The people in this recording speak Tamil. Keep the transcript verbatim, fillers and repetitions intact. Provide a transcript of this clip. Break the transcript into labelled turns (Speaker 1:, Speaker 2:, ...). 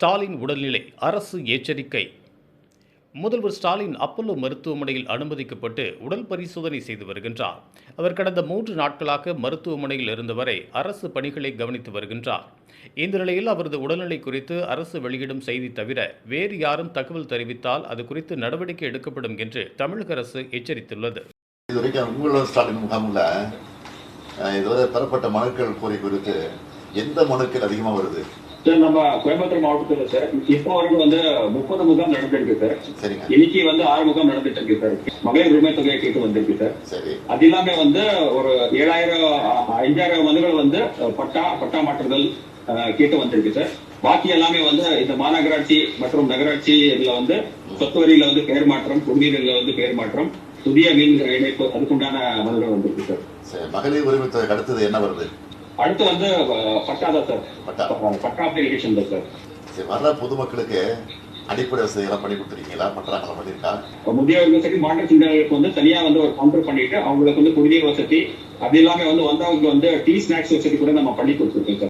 Speaker 1: ஸ்டாலின் உடல்நிலை அரசு எச்சரிக்கை. முதல்வர் ஸ்டாலின் அப்பல்லோ மருத்துவமனையில் அனுமதிக்கப்பட்டு உடல் பரிசோதனை செய்து வருகின்றார். அவர் கடந்த மூன்று நாட்களாக மருத்துவமனையில் இருந்தவரை அரசு பணிகளை கவனித்து வருகின்றார். இந்த நிலையில் அவரது உடல்நிலை குறித்து அரசு வெளியிடும் செய்தி தவிர வேறு யாரும் தகவல் தெரிவித்தால் அது குறித்து நடவடிக்கை எடுக்கப்படும் என்று தமிழக அரசு எச்சரித்துள்ளது.
Speaker 2: இதுவரைக்கும் உங்களோட ஸ்டாலின் முகாமில் இதுவரை பெறப்பட்ட மனுக்கள் கோரி குறித்து எந்த மனுக்கள் அதிகமாக வருது?
Speaker 3: சார், நம்ம கோயம்புத்தூர் மாவட்டத்தில் சார் இப்போ வரைக்கும் வந்து முப்பது முகாம் நடந்திருக்கு சார்.
Speaker 2: சரிங்க.
Speaker 3: இன்னைக்கு வந்து ஆறு முகாம் நடந்துட்டு இருக்கு சார். மகளிர் உரிமை தொகையை கேட்டு வந்திருக்கு சார்.
Speaker 2: சரி.
Speaker 3: அது இல்லாம வந்து ஒரு ஏழாயிரம் அஞ்சாயிரம் மனுகள் வந்து பட்டா பட்டா மாற்றுதல் கேட்டு வந்திருக்கு சார். பாக்கி எல்லாமே வந்து இந்த மாநகராட்சி மற்றும் நகராட்சி இதுல வந்து சொத்து வரியில வந்து பெயர் மாற்றம், குடிநீர்ல வந்து பெயர் மாற்றம், புதிய மீன் இணைப்பு அதுக்குண்டான மனுகள் வந்திருக்கு சார்.
Speaker 2: மகளிர் உரிமை தொகை அடுத்தது என்ன வருது?
Speaker 3: அடுத்து வந்து பட்டா தான் சார்.
Speaker 2: பட்டா
Speaker 3: பட்டா அப்ளிகேஷன் தான் சார்.
Speaker 2: சரி, வர்ற பொதுமக்களுக்கு அடிப்படை வசதியெல்லாம் பண்ணி கொடுத்துருக்கீங்களா? பட்டாங்களா பண்ணிருக்கா?
Speaker 3: முதியவர்கள் சரி மாற்றுத்திறனாளிகளுக்கு வந்து தனியா வந்து ஒரு கவுண்டர் பண்ணிட்டு அவங்களுக்கு வந்து குடிநீர் வசதி அது இல்லாம வந்து வந்தவங்களுக்கு வந்து டீ ஸ்நாக்ஸ் வசதி கூட நம்ம பண்ணி கொடுத்துருக்கோம் சார்.